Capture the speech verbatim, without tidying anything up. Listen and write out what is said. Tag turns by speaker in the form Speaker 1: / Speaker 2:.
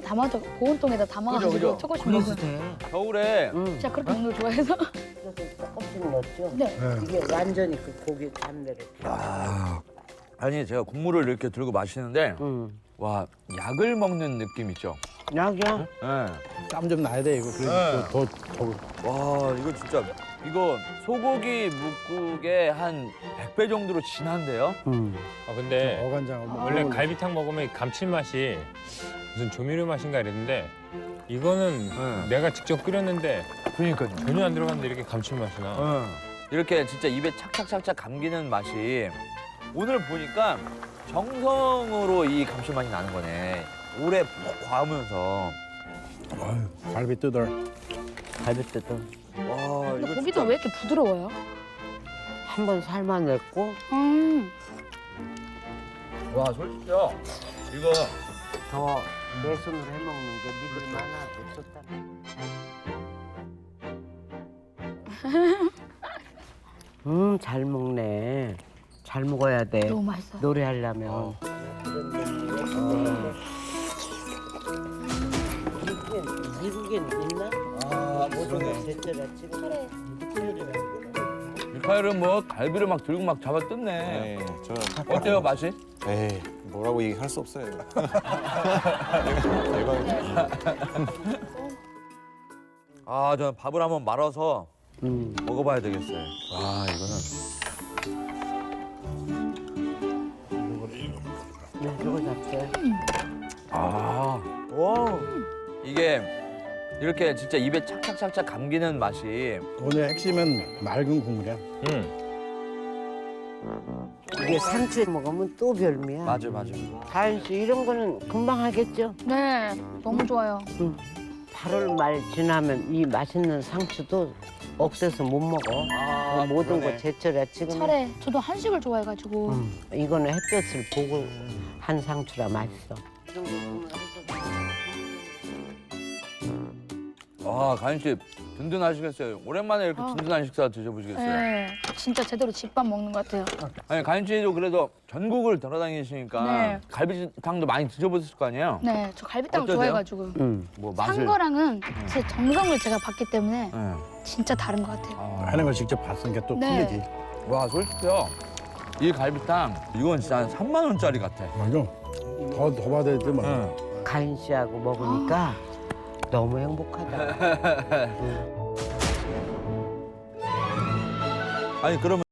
Speaker 1: 담아서 보온통에다 담아가지고
Speaker 2: 그죠, 그죠.
Speaker 1: 조금씩
Speaker 3: 그래서
Speaker 1: 먹어요.
Speaker 3: 돼.
Speaker 2: 겨울에
Speaker 3: 응.
Speaker 1: 진짜 그렇게 먹는 걸 좋아해서.
Speaker 4: 그래서 조금씩 넣었죠.
Speaker 1: 네.
Speaker 5: 네.
Speaker 4: 이게 완전히 그 고기 잡내를.
Speaker 2: 아, 아니 제가 국물을 이렇게 들고 마시는데
Speaker 3: 응.
Speaker 2: 와 약을 먹는 느낌 있죠?
Speaker 3: 약이야?
Speaker 2: 네.
Speaker 5: 땀 좀 나야 돼 이거.
Speaker 2: 네.
Speaker 5: 그래서 더, 더, 더.
Speaker 2: 와 이거 진짜 이거 소고기 묵국의 한 백 배 정도로 진한데요?
Speaker 3: 응.
Speaker 6: 아 근데
Speaker 5: 어간장 한번
Speaker 6: 원래
Speaker 5: 먹으면
Speaker 6: 갈비탕 먹으면 감칠맛이 무슨 조미료 맛인가 이랬는데 이거는
Speaker 2: 네.
Speaker 6: 내가 직접 끓였는데
Speaker 2: 그러니까요.
Speaker 6: 전혀 안 들어갔는데 이렇게 감칠맛이 나.
Speaker 2: 응. 이렇게 진짜 입에 착착착착 감기는 맛이 오늘 보니까 정성으로 이 감칠맛이 나는 거네. 오래 푹 과으면서.
Speaker 5: 아유, 갈비 뜯어.
Speaker 3: 갈비 뜯어.
Speaker 2: 와
Speaker 1: 근데
Speaker 2: 이거
Speaker 1: 고기도
Speaker 2: 진짜.
Speaker 1: 왜 이렇게 부드러워요?
Speaker 3: 한 번 삶아냈고
Speaker 1: 음.
Speaker 2: 와 솔직히요. 이거
Speaker 3: 더 내 손으로 해먹는 게 믿을 만하고 좋다. 음, 잘 먹네. 잘 먹어야 돼.
Speaker 1: 너무 맛있어.
Speaker 3: 노래하려면.
Speaker 2: 어.
Speaker 4: 미국엔, 미국엔 있나?
Speaker 2: 아
Speaker 4: 모든 제철에 지금.
Speaker 2: 미카엘은 뭐 갈비를 막 들고 막 잡아 뜯네.
Speaker 7: 네, 저
Speaker 2: 어때요 맛이?
Speaker 7: 에이 뭐라고 얘기할 수 없어요. 대박이다.
Speaker 2: 아 저는 밥을 한번 말아서
Speaker 3: 음.
Speaker 2: 먹어봐야 되겠어요. 와 이거는
Speaker 3: 네, 저거 잡게.
Speaker 2: 아 와. 이게 이렇게 진짜 입에 착착착착 감기는 맛이
Speaker 5: 오늘 핵심은 맑은 국물이야.
Speaker 6: 응.
Speaker 3: 이게 상추에 먹으면 또 별미야.
Speaker 2: 맞아 맞아.
Speaker 3: 다현 씨 이런 거는 금방 하겠죠?
Speaker 1: 네. 너무 좋아요.
Speaker 3: 팔월 말 지나면 이 맛있는 상추도 억세서 못 먹어.
Speaker 2: 아,
Speaker 3: 모든
Speaker 2: 그러네.
Speaker 3: 거 제철에 지금.
Speaker 1: 차례. 저도 한식을 좋아해가지고.
Speaker 3: 음, 이거는 햇볕을 보고 한 상추라 맛있어.
Speaker 2: 아 가인 씨 든든하시겠어요. 오랜만에 이렇게
Speaker 1: 아.
Speaker 2: 든든한 식사 드셔보시겠어요?
Speaker 1: 네. 진짜 제대로 집밥 먹는 것 같아요.
Speaker 2: 아니 가인 씨도 그래도 전국을 돌아다니시니까
Speaker 1: 네.
Speaker 2: 갈비탕도 많이 드셔보셨을 거 아니에요?
Speaker 1: 네. 저 갈비탕을
Speaker 2: 어떠세요?
Speaker 1: 좋아해가지고.
Speaker 3: 음.
Speaker 2: 뭐
Speaker 1: 산
Speaker 2: 맛을.
Speaker 1: 거랑은 제 정성을 제가 봤기 때문에
Speaker 2: 네.
Speaker 1: 진짜 다른 것 같아요.
Speaker 2: 아.
Speaker 5: 하는 걸 직접 봤으니까 또
Speaker 1: 네.
Speaker 5: 틀리지.
Speaker 2: 와 솔직히요. 이 갈비탕 이건 진짜 한 삼만 원짜리 같아.
Speaker 5: 맞아. 더, 더 받아야 돼, 뭐.
Speaker 2: 응.
Speaker 3: 가인 씨하고 먹으니까 너무 행복하다.
Speaker 2: 아니 그러면.